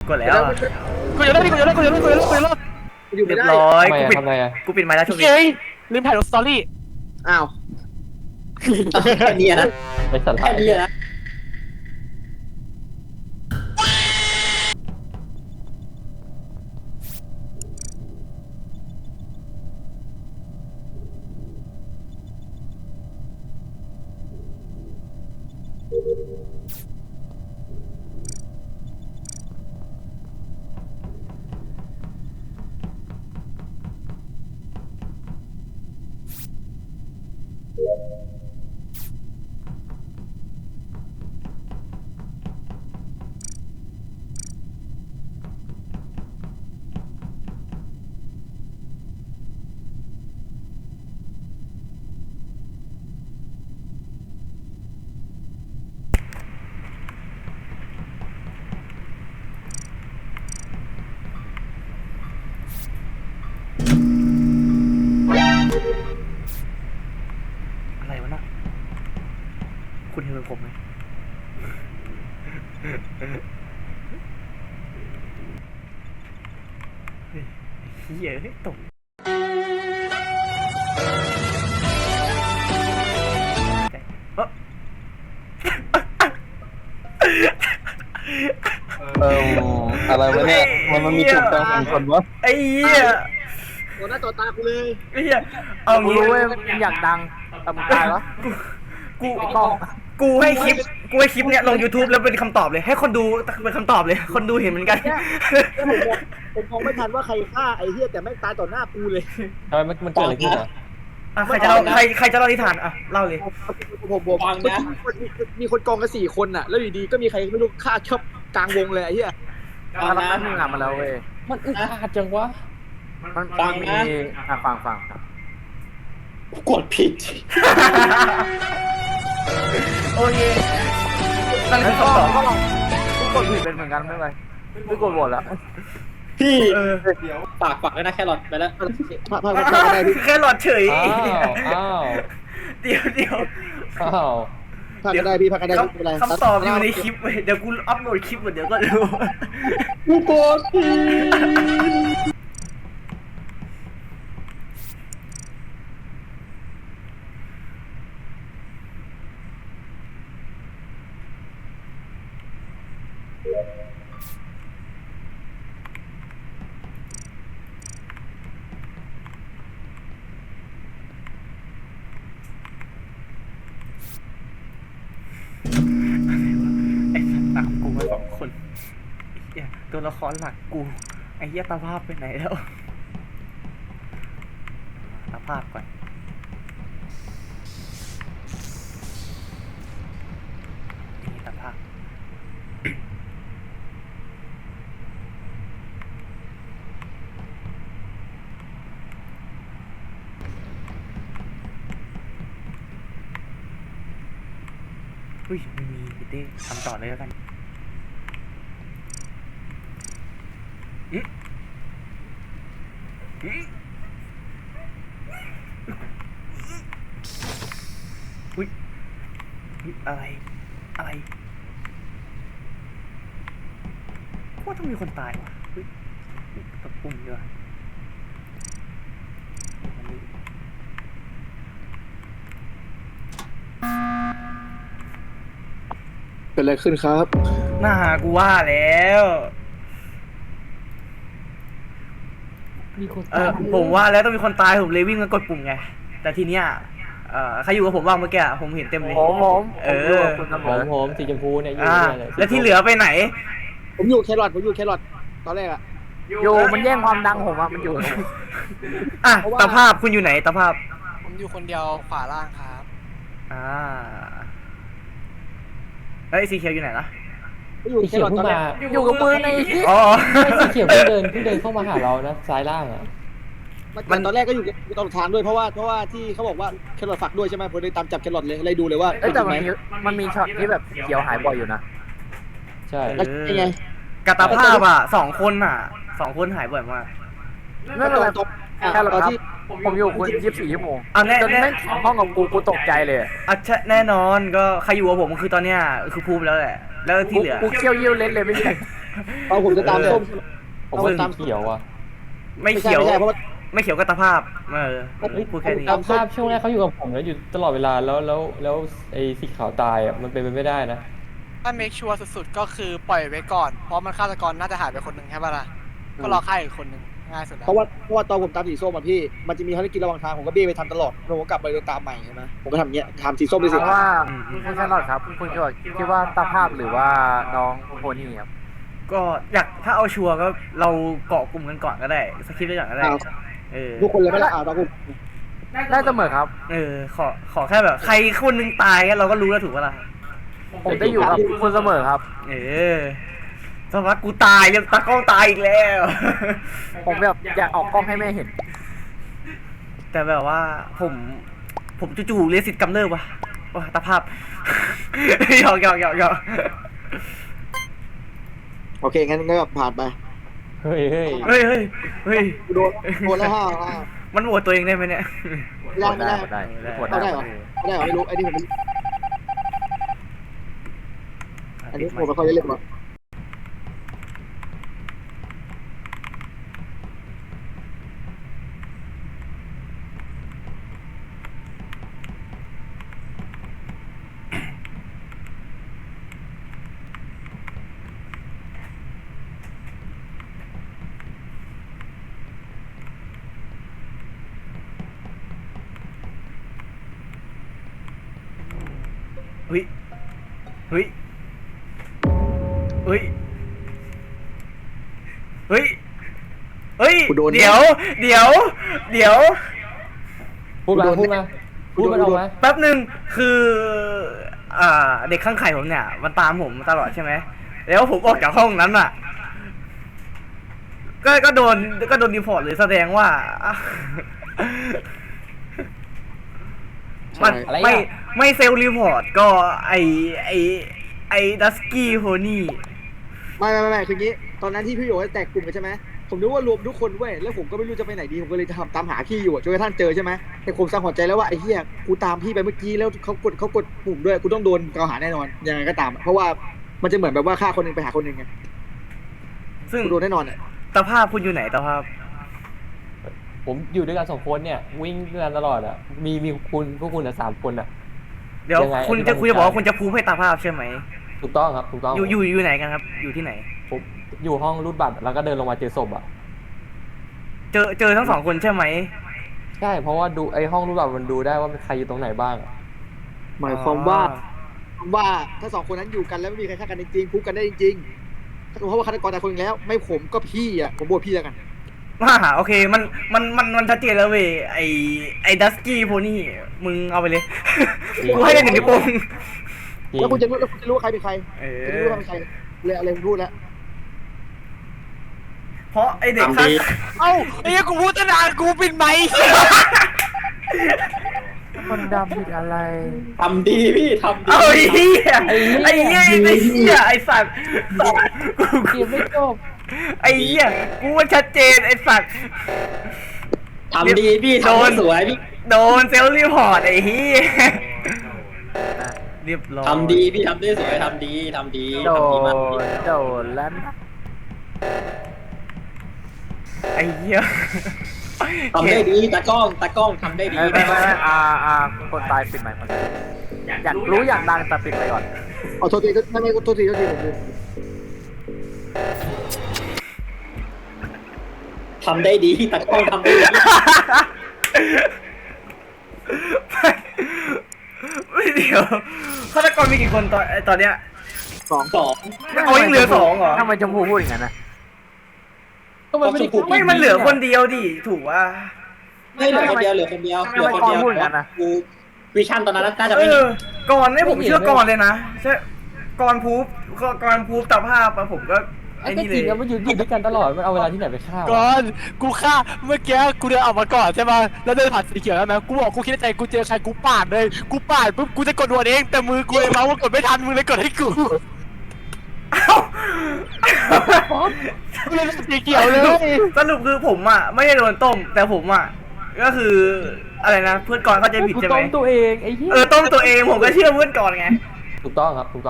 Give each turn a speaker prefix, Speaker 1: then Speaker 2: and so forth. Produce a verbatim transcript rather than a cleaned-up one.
Speaker 1: กดแล้วอะ
Speaker 2: กูจะเล่นกูจะเล่นกูจะเล่นกูจะเล่นกูจะเล่น
Speaker 3: อยู่ไม่
Speaker 1: เรียบ
Speaker 3: ได้
Speaker 1: ร้อย
Speaker 4: ทำไม
Speaker 1: กู
Speaker 4: อะ
Speaker 1: ปิด
Speaker 4: ทำไมอะ
Speaker 1: กูปิดไมค์แล้วช่วงนี้
Speaker 2: เฮ้ยลืมถ่ายลงสตอรี่
Speaker 3: อ้าวแค่นี้นะ
Speaker 4: ไอ้สัตว์
Speaker 3: แค่นี้นะ
Speaker 1: อะไรวะน่ะคุณเห็นผมไหมเฮ้ยเฮียเฮ้ยตกเอ้อ
Speaker 4: เอออะไรวะเนี่ยมันมันมีจุดกลางสองคนวะ
Speaker 1: ไอ้เหี้ย
Speaker 3: ตัวหน้าตัวตากูเลย
Speaker 1: ไอ้เหี้ยเอา
Speaker 2: กู
Speaker 1: งี้
Speaker 2: รู้เว้ยมึงอยากดังแต่มึงตายวะ
Speaker 1: กู
Speaker 2: ไอ้กล้อง
Speaker 1: กูให้คลิปกูให้คลิปเนี้ยลง YouTube แล้วเป็นคำตอบเลยให้คนดูเป็นคำตอบเลยคนดูเห็นเหมือนกัน
Speaker 3: ผมมองผมมองไม่ทันว่าใครฆ่าไอ้เหี้ยแต่แม่งตายต่อหน้ากูเลย
Speaker 4: ทำไมมันมันเกิดอะไรขึ้นอ่ะ
Speaker 1: อ่ะใครจะเล่าใครใครจะเล่านิทานอ่ะเล่าเลย
Speaker 3: ผมผมฟังนะมีคนกองกันสี่คนน่ะแล้วอยู่ดีก็มีใครไม่รู้ฆ่าชอบกลางวงเลยไอ้เหี้ย
Speaker 2: มาแล้วมึงอ่ะมาแล้วเว้ย
Speaker 4: มันอึดอัดจังวะ
Speaker 2: มัน
Speaker 5: ฟังนะ
Speaker 2: มีอ่ะฟังฟัง
Speaker 5: กดผิด
Speaker 1: โอเคนั่น
Speaker 2: แล้
Speaker 1: คื
Speaker 2: ว
Speaker 1: อ
Speaker 2: ก็
Speaker 1: คำตอบ
Speaker 2: ก็ลองกูกดผิดเป็นเหมือนกันไม่เป็นไรไม่กดโหวตแล้ว
Speaker 5: พี่
Speaker 1: เออ
Speaker 5: ฝากฝากด้วยนะแครอทไปแล้ว
Speaker 3: พาพาพาพาได้พี่
Speaker 1: แค่หลอดเฉย
Speaker 4: อ้าวอ้าว
Speaker 1: เดี๋ยวเดี๋ยว
Speaker 4: อ้าว
Speaker 3: พากันได้พี่พากันได้
Speaker 1: ค
Speaker 3: ไม่เป็นไร
Speaker 1: ำคำตอบอยู่ในคลิปเว้ยเดี๋ยวกูอัพโหลดคลิปหมดเดี๋ยวก็ดู
Speaker 5: กูกดผิด
Speaker 1: ไอ้สัตว์ตามกูมาสองคนไอ้เหี้ยตัวละครหลักกูไอ้เหี้ยตาภาพไปไหนแล้วตาภาพก่อนนี่ตาภาพอุ้ยไม่มีพี่เต้ทำต่อเลยแล้วกันอืมอืมอุ้ยอุ๊ยอะไร อะไรว่าต้องมีคนตายวะอุ้ยอุ๊ยตบปุ่มดีกว่าอันนี้
Speaker 3: เกิดอะไรขึ้นครับ
Speaker 1: น่ากูว่าแล้ว
Speaker 4: มีคน
Speaker 1: เออผมว่าแล้วต้องมีคนตายผมเลยวิ่งมากดปุ่มไง แต่ทีเนี้ยเอ่อใครอยู่กับผมบ้างเมื่อกี้อะผมเห็นเต็มเลย
Speaker 2: ผมผม
Speaker 1: เออ
Speaker 2: ผมยู่กับคุณเสม
Speaker 4: ผม
Speaker 2: อ
Speaker 4: ผมสีชมพูเนี่ยอยู่
Speaker 1: อ่า
Speaker 4: เนี่ย
Speaker 1: แล้วที่เหลือไปไหน
Speaker 3: ผมอยู่แครอทผมอยู่แครอทตอนแรกอะ
Speaker 2: อยู่มันแย่งความดังผมอ่ะมันอยู่
Speaker 1: อ่ะ
Speaker 3: เพราะว่า
Speaker 1: ตาภาพคุณอยู่ไหนตาภาพ
Speaker 6: ผมอยู่คนเดียวขวาล่างครับ
Speaker 1: อ่าเฮ้ยสีเขียวอยู่ไหนล่ะ
Speaker 3: ผมอยู่
Speaker 4: สี
Speaker 3: แค
Speaker 4: เขีย
Speaker 3: ร
Speaker 4: ว
Speaker 3: อท
Speaker 4: เพิ่
Speaker 3: ตอง นแร
Speaker 4: มาก
Speaker 2: อยู่กับมือใน
Speaker 1: อ๋อ
Speaker 4: สีเขียวเพิ่งเดินเพิ่งเดินเข้ามาหาเรานะซ้ายล่างอ่ะ
Speaker 3: มันตอนแรกก็อยู่อยู่ตลอดทางด้วยเพราะว่าเพราะว่าที่เขาบอกว่าแครอทฝักด้วยใช่ไหมผมเลยตามจับแครอทเลยเลยดูเลยว่า
Speaker 2: เอ้ยแต่
Speaker 3: จริง
Speaker 2: มัน
Speaker 3: ไหม
Speaker 2: มีมันมีช็อตที่แบบเขียวหายบ่อยอยู่นะ
Speaker 4: ใช่
Speaker 3: แล้วยังไง
Speaker 1: กับตาภาพอ่ะสองคนอ่ะสองคนหายบ่อยมาก
Speaker 2: ไม่เป็นไร
Speaker 3: ตอน
Speaker 2: แค่เรา
Speaker 3: ตอน
Speaker 2: ครับ
Speaker 3: ที่
Speaker 2: ผมอยู่คุณยี่สิบสี่ชั่วโมง
Speaker 1: เอาแน่
Speaker 2: จน
Speaker 1: แน่
Speaker 2: แม่งห้องกับกูกูตกใจเลย
Speaker 1: อ่ะใช่แน่นอนก็ใครอยู่กับผมคือตอนเนี้ยคือภูมิแล้วแหละ แล้วที่เหลือ
Speaker 2: กูเคี้ยวเยี่ยวเล่นเลยไม่ใช่
Speaker 1: เ
Speaker 3: เอาผมจะตามส้ม
Speaker 4: ผม
Speaker 3: เอา
Speaker 4: ว่า
Speaker 3: ตาม
Speaker 4: เขียวอ่ะ
Speaker 1: ไม่เขียว
Speaker 3: ไม่ใช่เพราะว่า
Speaker 1: ไม่เขียวก็ตาภาพเออพูดแค่นี้
Speaker 4: ตามภาพช่วงแรกเขาอยู่กับผมแล้วอยู่ตลอดเวลาแล้วแล้วแล้วไอ้สีขาวตายอ่ะมันเป็นไปไม่ได้นะ
Speaker 6: ถ้าเมคชัวร์สุดๆ ก็คือปล่อยไว้ก่อน เพราะมันฆาตกรน่าจะหายไปคนหนึ่งใช่ป่ะล่ะ ก็รอฆ่าอีกคนหนึ่งง่ายสุดแล้ว
Speaker 3: เพราะว่าเพราะว่าตอนผมตามสีส้มอะพี่มันจะมีภารกิจระหว่างทางผมก็เบี้ยไปทำตลอดผมก็กลับไปเดินตามใหม่ใช่ไหมผมก็ทำอย่างเงี้ยทำสีส้มไป
Speaker 2: ถา
Speaker 3: สิ
Speaker 2: มว่าคุณแครอทครับคุณคิดว่าคิดว่าตาภาพหรือว่าน้องโพนี่ครับ
Speaker 1: ก็อยากถ้าเอาชัวร์ก็เราเกาะกลุ่มกันก่อนก็ได้สคริปต์ไว้ก่อนก็ได้เออ
Speaker 3: ทุกคนเลยไม่ละอ่าวตามผม
Speaker 2: ได้เสมอครับ
Speaker 1: เออขอขอแค่แบบใครคนหนึงตายก็เราก็รู้แล้วถูกปะล่ะ
Speaker 2: ผมได้อยู่กับคุณเสมอครับ
Speaker 1: เออสมมติกูตายยังตากล้องตายอีกแล้ว
Speaker 2: ผมแบบอยากออกกล้องให้แม่เห็น
Speaker 1: แต่แบบว่าผมผมจู่ๆเรียนสิทธิ์กำเนิดว่ะว้าตาภาพ หยอกหยอกหยอกหยอก
Speaker 3: โอเคงั้นก็ผ่านไป
Speaker 4: เฮ้ยเฮ้ย
Speaker 1: เฮ้ยเฮ้ยเฮ้ย
Speaker 3: โดนโดนแล้วห้าห้า
Speaker 1: มันโหวตตัวเองได้ไหมเนี่ย
Speaker 3: ไม่ได้ไม่ได้
Speaker 2: ได้
Speaker 3: เอาได้เหรอไม่ได้เหรอไม่รู้ไอ้นี่ผมอันนี้ผมไม่ค่อยได้เล่นหรอก
Speaker 1: เฮ้ยเฮ้ยเฮ้ยเฮ้ยเฮ้ยเดี๋ยวเดี๋ยวเดี๋ยว
Speaker 4: พูดมาพูดมาพูดมันออกมา
Speaker 1: แป๊บหนึ่งคืออ่าเด็กข้างไข่ผมเนี่ยมันตามผมตลอดใช่ไหมแล้วผมออกจากห้องนั้นอ่ะ ก็ก็โดนก็โดนรีพอร์ตเลยแสดงว่า มัน
Speaker 4: อะไรอ่ะ
Speaker 1: ไม่ไม่เซลล์รีพอร์ตก็ไอไอไอดัสกี้โฮนี่
Speaker 3: ไม่ไม่ไม่ไม่คืองี้ตอนนั้นที่พี่โยแตกกลุ่มกันใช่ไหมผมนึกว่ารวมทุกคนเว้ยแล้วผมก็ไม่รู้จะไปไหนดีผมก็เลยทำตามหาพี่อยู่อะจนกระทั่งเจอใช่ไหมแต่ผมสังหรณ์ใจแล้วว่าไอ้เหี้ยกูตามพี่ไปเมื่อกี้แล้วเขากดเขากดปุ่มด้วยกูต้องโดนกล่าวหาแน่นอนยังไงก็ตามอะเพราะว่ามันจะเหมือนแบบว่าฆ่าคนหนึงไปหาคนหนึงไง
Speaker 1: ซึ่ง
Speaker 3: กูโดนแน่นอนอ่ะ
Speaker 1: ตาภาพคุณอยู่ไหนตาภาพ
Speaker 4: ผมอยู่ด้วยกันสองคนเนี่ยวิ่งด้วยกันตลอดอ่ะมีมีคุณพวกคุณอ่ะสามคนอ่ะ
Speaker 1: เดี๋ยว
Speaker 4: ยังไง
Speaker 1: คุณ
Speaker 4: อธิบาย
Speaker 1: จะคุณจะบอกว่าคุณจะพูดให้ตาภาพใช่ไหม
Speaker 4: ถูกต้องครับถูกต้อง
Speaker 1: อยู่อยู่อยู่ไหนกันครับ อยู่ที่ไหน
Speaker 4: ผมอยู่ห้องรูดบัตรแล้วก็เดินลงมาเจอศพอ่ะ
Speaker 1: เจอเจอทั้งสองคนใช่ไหม
Speaker 4: ใช่เพราะว่าดูไอ้ห้องรูดบัตรมันดูได้ว่าใครอยู่ตรงไหนบ้างอะ
Speaker 3: หมายความว่าว่าถ้าสองคนนั้นอยู่กันแล้วไม่มีใครฆ่ากันจริงๆพูดกันได้จริงๆเพราะว่าฆาตกรแต่คนหนึงแล้ว ไม่ผมก็พี่อ่ะผมโบวพี่แล้วกัน
Speaker 1: ว่าโอเคมันมันมันมันชัดเจนแล้วเว้ยไอไอดัสกี้โพนี่มึงเอาไปเลย กูให้ได้หนึ่งนิ้วโป้ง
Speaker 4: จริง
Speaker 3: แล้วคุณจะรู้แล้วคุณจะรู้ว่าใครเป็นใคร
Speaker 1: เอ
Speaker 3: จะ
Speaker 1: อ
Speaker 3: รู้ว่าเป็นใครเลยอะไรผมพูดแล้ว
Speaker 1: เพราะไอเด็กข้าง
Speaker 6: เอ้าไอ้เหี้ยกูพูดตั้งนานกูปิดไมค์
Speaker 2: คนดำผิดอะไร
Speaker 5: ทำดีพี่ทำดี
Speaker 1: เอาไอ้เหี้ยไอ้เหี้ยไอ้เหี้ยไอ้สัตว์กู
Speaker 4: เกมไม่จบ
Speaker 1: ไอ้เหี้ยกูว่าชัดเจนไอ้สัตว์
Speaker 5: ทำดีพี่
Speaker 1: โดน
Speaker 5: ทำสวยพี่
Speaker 1: โดนเซลล์รีพอร์ตไอ้เหี้ยเรียบร้อย
Speaker 5: ทำดีพี่ทำได้สวยทำดีทำดี
Speaker 2: โด
Speaker 5: ทำดีมาก
Speaker 2: นโดนแล้ว
Speaker 1: ไอ้เหี้ย
Speaker 5: ทำได้ดีตากล้องตากล้องทำได้ดี
Speaker 2: ไม่ไม่ไม่ไม่อ่าอ่าคนตายปิดใหม่คนตายอยากรู้อยากดังแต่ปิดไปก่อน
Speaker 3: อ๋อโทษทีไม่ไม่โทษทีโทษทีผมลืม
Speaker 5: ทำได้ดีตากล้องทำได้ดี
Speaker 1: ไม่เดี๋ยวฆาตกรมีกี่คนตอนตอนเนี้ย
Speaker 3: สอง
Speaker 5: สอง
Speaker 1: เอายังเหลือสองเหรอ
Speaker 2: ทำไมชมพูพูดอย่างนั้นนะ
Speaker 4: ก็มันไม่ได้
Speaker 1: ไม่มันเหลือคนเดียวดิถูกว่า
Speaker 5: ไม่เหลือคนเดียวเหลือคนเดียวเหลือคนเดียวกูวิชั่นตอนนั้นน่าจะ
Speaker 1: เอ
Speaker 5: ไม่มี
Speaker 1: อก่อนนี่ผมเชื่อก่อนเลยนะใช่ก่อนพูฟก่อนพูฟตาภาพอะผมก็
Speaker 4: ไอ้
Speaker 1: ไอ้
Speaker 4: จริ
Speaker 1: นี่
Speaker 4: ง
Speaker 1: เลย
Speaker 4: แล้วมันอยู่อยู่ด้วยกันตลอดมันเอาเวลาที่ไหนไปฆ่าวะ
Speaker 6: ก่อนกูฆ่าเมื่อกี้กูเดินออกมาก่อนใช่ป่ะแล้วเดินผ่านสีเขียวแล้วไหมกูบอกกูคิดในใจกูเจอใครกูปาดเลยกูปาดปุ๊บกูจะกดโหวตเองแต่มือกูเลยเมาส์ว่ากดไม่ทันมึงเลยกดให้กู
Speaker 1: เอ้า
Speaker 6: กูเลยสีเขียวเลย
Speaker 1: สรุปคือผมอ่ะไม่ได้โดนต้ม แต่ผมอ่ะก็คืออะไรนะเพื่อนก่อนเข้าใจผิด
Speaker 4: กู
Speaker 1: ใช่ไหม
Speaker 4: ต้มตัวเองไอ้เหี้ย
Speaker 1: เออต้มตัวเองผมก็เชื่อเพื่อนก่อนไง
Speaker 4: ถูกต้องครับถูกต้อง